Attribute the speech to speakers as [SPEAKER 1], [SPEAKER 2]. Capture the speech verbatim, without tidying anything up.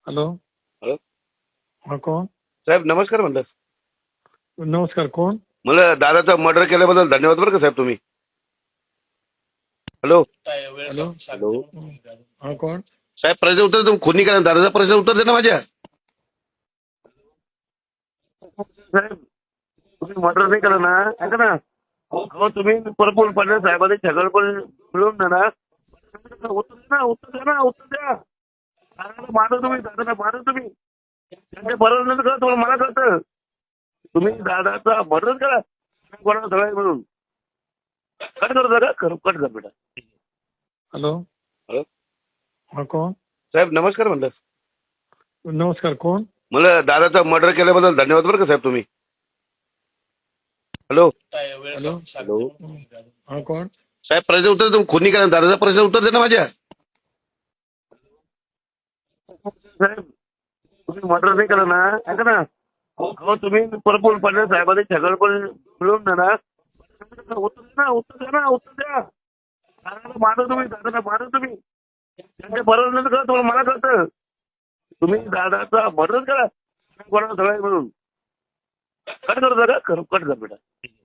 [SPEAKER 1] Hello.
[SPEAKER 2] Hello
[SPEAKER 1] हा कोण?
[SPEAKER 2] साहेब नमस्कार म्हणलं.
[SPEAKER 1] नमस्कार, कोण?
[SPEAKER 2] मला दादाचा मर्डर केल्याबद्दल धन्यवाद बरं का साहेब तुम्ही. Hello
[SPEAKER 1] hello.
[SPEAKER 2] हॅलो
[SPEAKER 1] हा कोण?
[SPEAKER 2] साहेब प्रश्न उत्तर तुम्ही खुनी करा दादाचा प्रश्न उत्तर दे ना माझ्या. साहेब तुम्ही मर्डर नाही केलं ना, ऐका ना. हो तुम्ही प्रफुल्ल पटेल साहेबांनी छगड पण मिळून द्या ना. उत्तर द्या ना, उत्तर द्या ना, उत्तर द्या. दादाला मारा तुम्ही, दादाला मारा तुम्ही. त्यांच्या बरोबर नाही कळत तुम्हाला, मला कळतं. तुम्ही दादाचा मर्डर करा कोणाला सगळ्या मिळून. कट करता का? कट कर बेटा.
[SPEAKER 1] हॅलो.
[SPEAKER 2] हॅलो
[SPEAKER 1] हा कोण?
[SPEAKER 2] साहेब नमस्कार म्हणलं.
[SPEAKER 1] नमस्कार, कोण?
[SPEAKER 2] मला दादाचा मर्डर केल्याबद्दल धन्यवाद बरं का साहेब तुम्ही. Hello
[SPEAKER 1] hello.
[SPEAKER 2] हॅलो
[SPEAKER 1] हा कोण?
[SPEAKER 2] साहेब प्रश्न उत्तर तुम्ही खुनी करा दादाचा प्रश्न उत्तर दे ना माझ्या. साहेब तुम्ही मर्डर नाही केलं ना, ऐका ना. हो तुम्ही प्रफुल्ल पटेल साहेबांनी छगड पण मिळून द्या ना. उत्तर द्या ना, उत्तर द्या ना, उत्तर द्या. दादाला मारा तुम्ही, दादाला मारा तुम्ही. त्यांच्या बरोबर नाही कळत तुम्हाला, मला कळतं. तुम्ही दादाचा मर्डर करा कोणाला सगळ्या मिळून. कट करता का? कट कर बेटा.